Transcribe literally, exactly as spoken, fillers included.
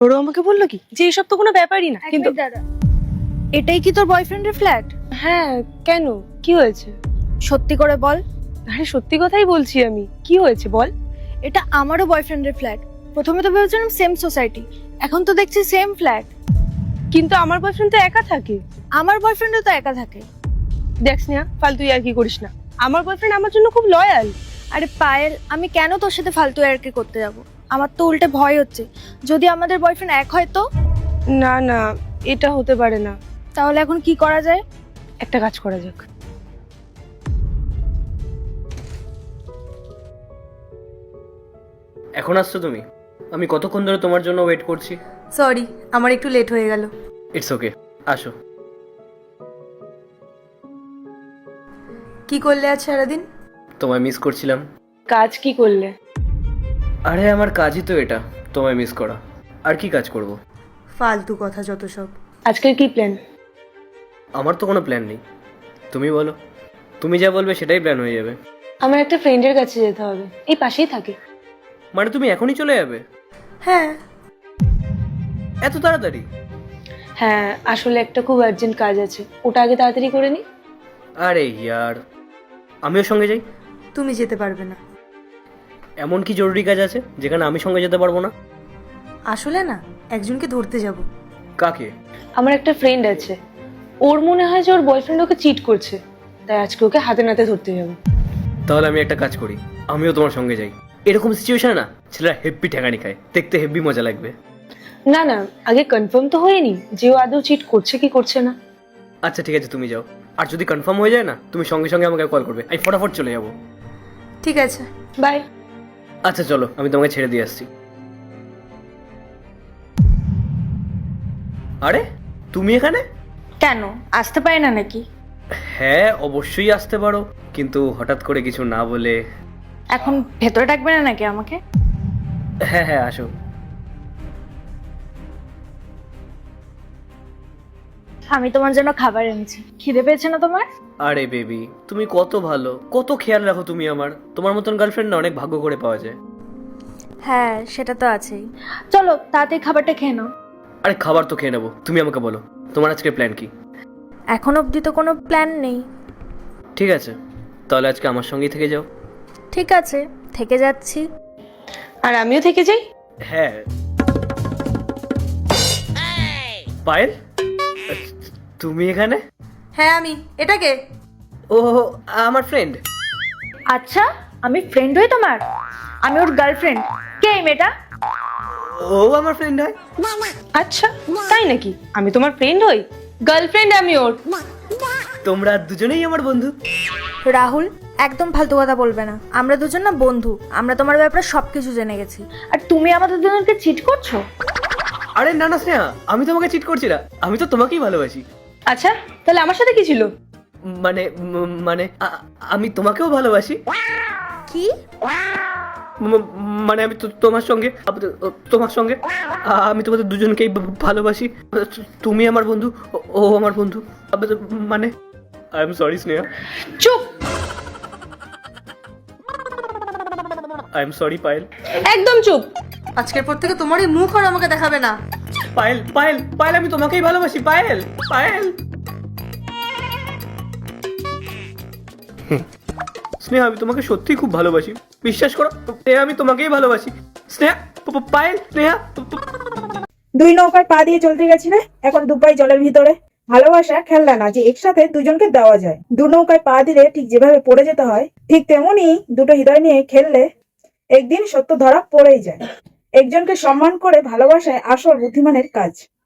ওরা আমাকে বললো কি যে এইসব তো কোনো ব্যাপারই না, কিন্তু দাদা, এটাই কি তোর বয়ফ্রেন্ডের ফ্ল্যাট? হ্যাঁ কেন, কি হয়েছে? সত্যি করে বল। আরে সত্যি কথাই বলছি আমি, কি হয়েছে বল। এটা আমারও বয়ফ্রেন্ডের ফ্ল্যাট। প্রথমে তো ভেবেছিলাম সেম সোসাইটি, এখন তো দেখছি সেম ফ্ল্যাট। কিন্তু আমার বয়ফ্রেন্ড তো একা থাকে। আমার বয়ফ্রেন্ডও তো একা থাকে। দেখ স্নেহা, ফালতু আর কি করিস না, আমার বয়ফ্রেন্ড আমার জন্য খুব লয়াল। আরে পায়েল, আমি কেন তোর সাথে ফালতু আর কি করতে যাব? আমার তো উল্টে ভয় হচ্ছে, যদি আমাদের বয়ফ্রেন্ড এক হয় তো? না না, এটা হতে পারে না। তাহলে এখন কি করা যায়? একটা কাজ করা যাক। এখন আসছো তুমি? আমি কতক্ষণ ধরে তোমার জন্য ওয়েট করছি। সরি, আমার একটু লেট হয়ে গেল। ইটস ওকে, আসো। কি করলে আজ সারাদিন? তোমায় মিস করছিলাম। কাজ কি করলে? আরে আমার কাজই তো এটা, তোমায় মিস করা। আর কি কাজ করব? ফালতু কথা যত সব। আজকের কি প্ল্যান? আমার তো কোনো প্ল্যান নেই, তুমি বলো। তুমি যা বলবে সেটাই প্ল্যান হয়ে যাবে। আমার একটা ফ্রেন্ডের কাছে যেতে হবে, এই পাশেই থাকে। মানে তুমি এখনই চলে যাবে? হ্যাঁ। এত তাড়াতাড়ি? হ্যাঁ, আসলে একটা খুব আর্জেন্ট কাজ আছে, ওটা আগে তাড়াতাড়ি করে নি। আরে ইয়ার, আমিও সঙ্গে যাই। তুমি যেতে পারবে না। এমন কি জরুরি কাজ আছে যেখানে আমি সঙ্গে যেতে পারবো না? আসলে না, একজনকে ধরতে যাব। কাকে? আমার একটা ফ্রেন্ড আছে, ওর মনে হয় যে ওর বয়ফ্রেন্ড ওকে চিট করছে, তাই আজকে ওকে হাতে নাতে ধরতে যাবো। তাহলে আমি একটা কাজ করি, আমিও তোমার সঙ্গে যাই। এরকম সিচুয়েশনে না ছেলেরা হেব্বি ঠেকানি খায়, দেখতে হেব্বি মজা লাগবে। না না, আগে কনফার্ম তো হয়নি যে ও আদৌ চিট করছে কি করছে না। আচ্ছা ঠিক আছে, তুমি যাও। আর যদি কনফার্ম হয়ে যায় না, তুমি সঙ্গে সঙ্গে আমাকে কল করবে, আমি ফটাফট চলে যাবো। ঠিক আছে। বাই। আচ্ছা চলো, আমি তোমাকে ছেড়ে দিয়ে আসছি। আরে তুমি এখানে? কেন, আসতে পারে না নাকি? হ্যাঁ অবশ্যই আসতে পারো, কিন্তু হঠাৎ করে কিছু না বলে। এখন ভেতরে ডাকবে না নাকি আমাকে? হ্যাঁ হ্যাঁ আসো। আমি তোমার জন্য খাবার এনেছি, খিদে পেয়েছে না তোমার? আরে বেবি, তুমি কত ভালো, কত খেয়াল রাখো তুমি আমার। তোমার মতন গার্লফ্রেন্ড না অনেক ভাগ্য করে পাওয়া যায়। হ্যাঁ সেটা তো আছেই। চলো তাড়াতাড়ি খাবারটা খেয়ে নাও। আরে খাবার তো খেয়ে নেবো, তুমি আমাকে বলো তোমার আজকের প্ল্যান কি? এখন অবধি তো কোনো প্ল্যান নেই। ঠিক আছে, তাহলে আজকে আমার সঙ্গেই থেকে যাও। ঠিক আছে, থেকে যাচ্ছি। আর আমিও থেকে যাই। হ্যাঁ। পায়েল, তুমি এখানে? হ্যাঁ আমি। এটাকে? ও আমার ফ্রেন্ড। আচ্ছা, আমি ফ্রেন্ড হই তোমার? আমি ওর গার্লফ্রেন্ড। কে এই মেয়েটা? ও আমার ফ্রেন্ড হয়? আচ্ছা তাই নাকি? আমি তোমার ফ্রেন্ড হই, গার্লফ্রেন্ড আমি ওর। তোমরা দুজনেই আমার বন্ধু। রাহুল, একদম ফালতু কথা বলবে না। আমরা দুজন না বন্ধু, আমরা তোমার ব্যাপারে সবকিছু জেনে গেছি। আর তুমি আমাদের দুজনকে চিট করছো? আরে না না স্নেহা, আমি তোমাকে চিট করছি না, আমি তো তোমাকেই ভালোবাসি। আচ্ছা তাহলে আমার সাথে কি ছিল? মানে ম- মানে আ- আমি তোমাকেও ভালোবাসি। কি? ম- মানে আমি তো- তোমার সঙ্গে আপ- তোমার সঙ্গে আ- আমি তোমাদের দুজনকেই ভা- ভালোবাসি। তুমি আমার বন্ধু, ও- ও আমার বন্ধু। আপ- মানে আই এম সরি স্নেহা, চুপ। I am sorry Payel. একদম চুপ। আজকের পর থেকে তোমার এই মুখ আর আমাকে দেখাবে না। পায়েল পায়েল পায়েল, আমি তোমাকেই ভালোবাসি পায়েল পায়েল। স্নেহা আমি তোমাকে সত্যিই খুব ভালোবাসি, বিশ্বাস করো। স্নেহা আমি তোমাকেই ভালোবাসি। স্নেহা প- প- পায়েল স্নেহা। প- প- দুই নৌকায় পা দিয়ে চলতে গেছিলে, এখন দুপাই জলের ভিতরে। ভালোবাসা খেলনা না যে একসাথে দুজনকে দেওয়া যায়। দু নৌকায় পা দিলে ঠিক যেভাবে পড়ে যেতে হয়, ঠিক তেমনি দুটো হৃদয় নিয়ে খেললে একদিন সত্য ধরা পড়েই যায়। একজনকে সম্মান করে ভালোবাসায় আসল বুদ্ধিমানের কাজ।